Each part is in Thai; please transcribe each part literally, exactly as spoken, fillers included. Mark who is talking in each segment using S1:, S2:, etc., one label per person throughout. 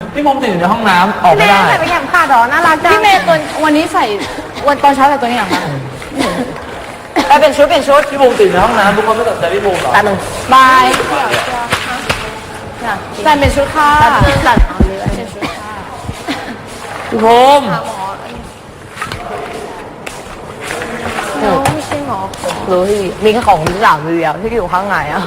S1: พี่มุมติดอยู่ในห้องน้ำออกไม่ได้
S2: ใส่ไปแข่งขาดหรอน่ารักจัง
S3: พี่เมย์ตัววันนี้ใส่วันตอนเช้าใส่ตัวนี้หรอคะ
S2: ไปเป็นชุดเป็นชุด
S1: พี่มุมติดในห้องน้ำทุกคนไม่สนใจพี่มุมหรอ
S2: ตาหนึ่ง
S3: บายใส่เป็นชุดค่ะ
S2: ตัด
S3: เป็นชุดค่ะ
S1: พี่มุม
S2: ไม่ใช่หรอรู้ที่มีแค่ของหลังเดียวที่อยู่ข้างในอ่ะ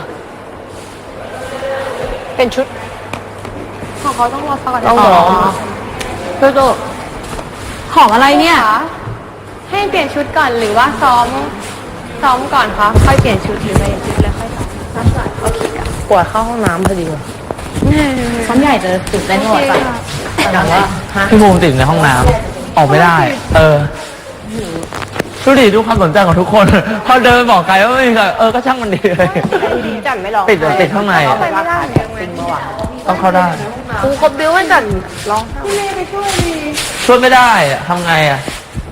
S2: เป็นชุดของเขาต้องรอสักก่อนต้องรอเพื่อตัว
S3: หอมอะไรเนี่ย
S2: ให้เปลี่ยนชุดก่อนหรือว่าซ้อมซ้อมก่อนคะค่อยเปลี่ยนชุดหรือไม่เปลี่ยนชุดแล้วค่อยซ้อมซ้อมก่อนโอเคค่ะปวดเข้าห้องน้ำพอดี
S3: ซ้อมใหญ่จะตื่นเต้นหมดจ้ะ
S1: แต่ว่าพี่มุมติดในห้องน้ำออกไม่ได้เออดูดิดูความสนใจของทุกคนพอเดินบอกไกลว่าไม่มีใครเออก็ช่างมันดีเลย
S2: จันไม่ลอง
S1: ติดติดข้างใน
S2: เข้าไปไม่ได้จริงเมื่อวาน
S1: ต้องเข้าได้
S2: ครูครบบิ้วมันจันร้องพี่เมย์ไปช่วยดี
S1: ช่วยไม่ได้ทำไงอ่ะ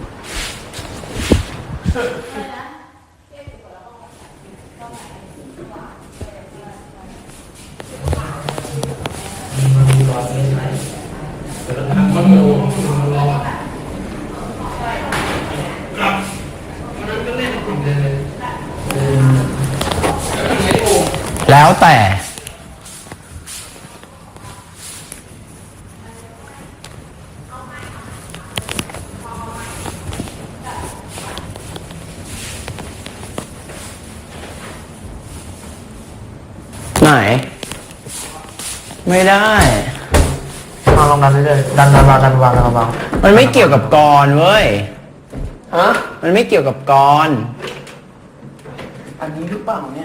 S1: แล้วแต่
S4: ไหนไม่ได้
S1: มาลองดันเลยดันดันวางดันวางดันวาง
S4: มันไม่เกี่ยวกับกรเว้ย
S1: ฮะ
S4: มันไม่เกี่ยวกับกร
S1: อันนี้หรือเปล่าเนี่ย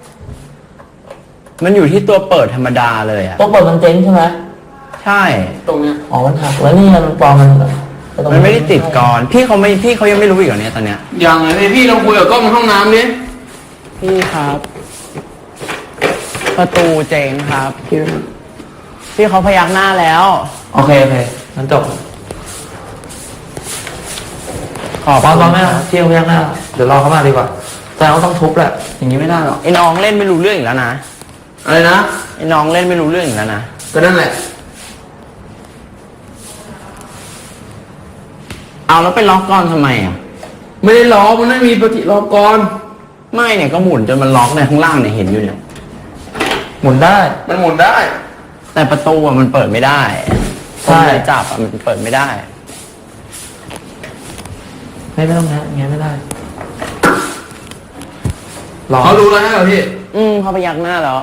S4: มันอยู่ที่ตัวเปิดธรรมดาเลยอะ
S1: ตัวเปิดมันเจ๊งใช่ไหม
S4: ใช่
S1: ตรงเนี้ยอ๋อมันหักแล้วนี่มันปลอมมัน
S4: มันไม่ได้ติดกรพี่เขาไม่พี่เขายังไม่รู้อีกเหรอเนี่ยตอนเนี้ย
S1: ยังเลยพี่ลองคุยกับกล้องในห้องน้ำดิ
S4: พี่ครับประตูเจ๊งครับพี่พี่เขาพยักหน้าแล้ว
S1: โอเคโอเคงั้นจบ
S4: ขอบ
S1: ปอนปอนไม่เที่ยวพยักหน้าเดี๋ยวรอเขามาดีกว่าแต่เราต้องทุบแหละอย่างนี้ไม่ได้หรอก
S4: ไอ้น้องเล่นไม่รู้เรื่องอีกแล้วนะ
S1: อะไรนะ
S4: ไอ้น้องเล่นไม่รู้เรื่องอีกแล้วนะ
S1: ก็นั่นแหละ
S4: เอาแล้วไปล็อกกรทำไมอ่ะ
S1: ไม่ได้ล็อกมันไม่มีปฏิล็อกกร
S4: ไม่เนี่ยก็หมุนจนมันล็อกในข้างล่างเนี่ยเห็นอยู่เนี่ย
S1: หมุนได้มันหมุนได้
S4: แต่ประตูอ่ะมันเปิดไม่ได้ใช่จับอ่ะมันเปิดไม่ได้
S1: ไม่ไม่ต้องนะอย่างเงี้ยไม่ได้เขารู้แล้วใช่ไหมพี่
S4: อืมเขาพยักหน้าแล้ว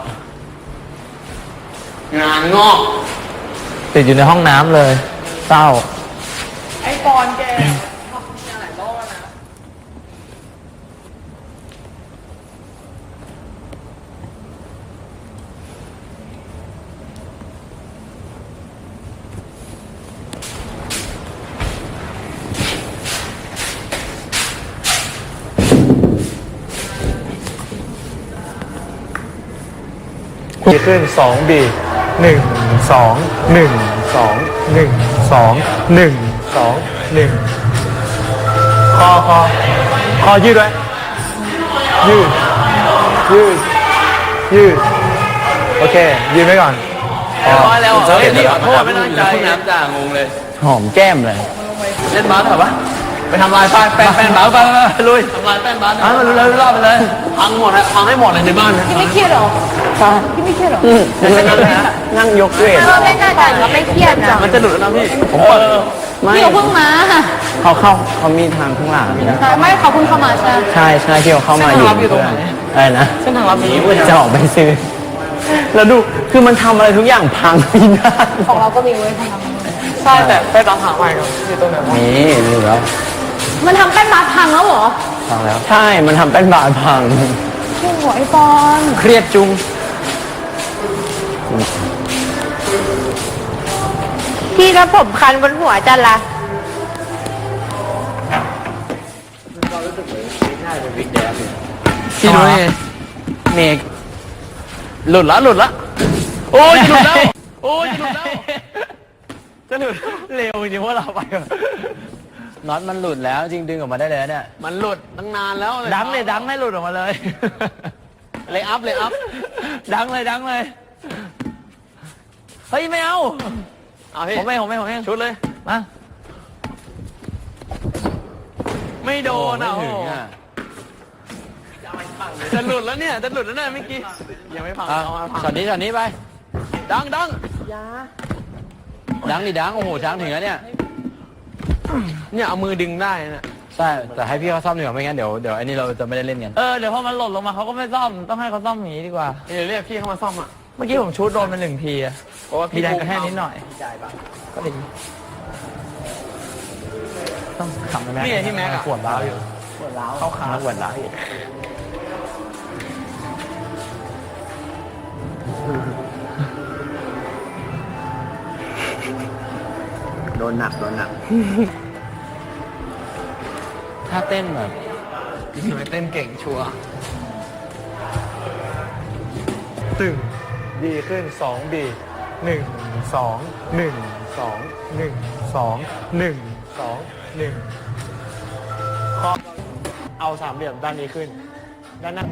S1: งานงอกติดอยู่ในห้องน้ำเลยเศร้า
S3: ไอ้ปอนแกทำหลายรอบแล้วนะ
S1: ดีขึ้นสองบีหนึ่งสองหนึ่งสองหนึ่งสองหนึ่งสองหนึ่งคอคอคอยืดไว้ยืดยืดยืดโอเคยืดไว้ก่อน
S4: พอแล้วเฮ้ยนี่ขอโทษไม่ตั้งใจน้ำจ่างงเลยหอมแก้มเลย
S1: เล่นบาสเหรอวะไปทำลายป้ายแป้นแป้นบาสไปไปลุยทำลายแป้นบาสอ่ะมันเลยรอบไปเลยพังหมดฮะพังให้หมดเลยในบ้านนะ
S3: พี่ไม่เครียดหรอพี่ไม่เครียดหรอ
S4: นั่งยกเวท
S2: เราไม่น่าจะเราไม่เครียดนะ
S1: มันจะหลุดแล้วนะพี่ผม
S3: เปิดพี่เขาเพิ่งมา
S4: เขาเข้าเขามีทางข้างหลัง
S3: ไม่เขาเพิ่งเข้ามาใช่
S4: ใช่ใช่ที่เขาเข้ามาอยู่อะไรนะ
S1: เส้นทางลับนี้
S4: จะออกไปซื้อแล้วดูคือมันทำอะไรทุกอย่างพังพินาศ
S3: ของเราก็มีเว้ยพัง
S1: ใช่แต่ไปตามหาใหม่ครับอยู่ตรงไหน
S4: นี่นี่แล้ว
S3: มันทำแป้นบาสพังแล้วเหรอ
S1: พังแล้ว
S4: ใช่มันทำแป้นบาสพัง
S3: โอ้โหไอ้ปอน
S4: เครียดจุง
S2: พี่แล้วผมคันบนหัวจันละ
S4: พี่นุ้ยเมกหลุดละหลุดละ
S1: โอ้ยหลุดแล้วโอ้ยหลุดแล้วจะหลุดเร็วจริงว่าเราไป
S4: น็อตมันหลุดแล้วจริงดึงออกมาได้เลยเนี่ย
S1: มันหลุดตั้งนานแล้วดังเลยดังให้หลุดออกมาเลยเลยอัพเลยอัพดังเลยดังเลยเฮ้ยไม่เอา
S4: เอาพี่
S5: ผมเองผมเองผมเอง
S4: ชุดเลย
S5: มา
S4: ไม่โดนอ่ะ
S5: ไม่
S4: โอ้
S5: ถึง
S4: โห
S5: อ่ะ
S4: จะหลุดแล้วเนี่ยจะหลุดแล้วเนี่ยเมื่อกี้ยังไม่พัง
S5: อ่ะ
S4: เอามาพัง
S5: ช็อตนี้ช็อตนี้ไป
S4: ดังดัง
S5: ดังดิดังโอ้โหช้างถึงแล้วเนี่ย
S4: เนี่ยเอามือดึงได้นะ
S5: ใช่แต่ให้พี่เขาซ่อมดีกว่าไม่งั้นเดี๋ยวเดี๋ยวอันนี้เราจะไม่ได้เล่นกัน
S6: เออเดี๋ยวพอมันหล่นลงมาเขาก็ไม่ซ่อมต้องให้เขาซ่อมอย่างนี้ดีกว่า
S4: เดี๋ยวเรียกพี่เข้ามาซ่อมอ่ะ
S6: เมื่อกี้ผมชูดโดนมันหนึ่งทีอะ
S4: เพราะว่า
S6: มี
S4: พี่
S6: แรง
S4: บู
S6: กระแทกนิดหน่อยก็ดีต้องขำไปแม็ก
S4: นี่ไงที่แม็กอะ
S6: ขวดล้าวอยู่ขวดล้าวเข้าขาขวดล้าวอยู่
S7: โดนหนักโดนหนัก
S5: ถ้าเต้นแบบ
S4: ทำไมเต้นเก่งชัวร์
S1: ตึงดีขึ้นสองบีหนึ่งสองหนึ่งสองหนึ่งสองหนึ่งสองหนึ่งข้อเอาสามเหลี่ยมด้านนี้ขึ้น ด้านหน้า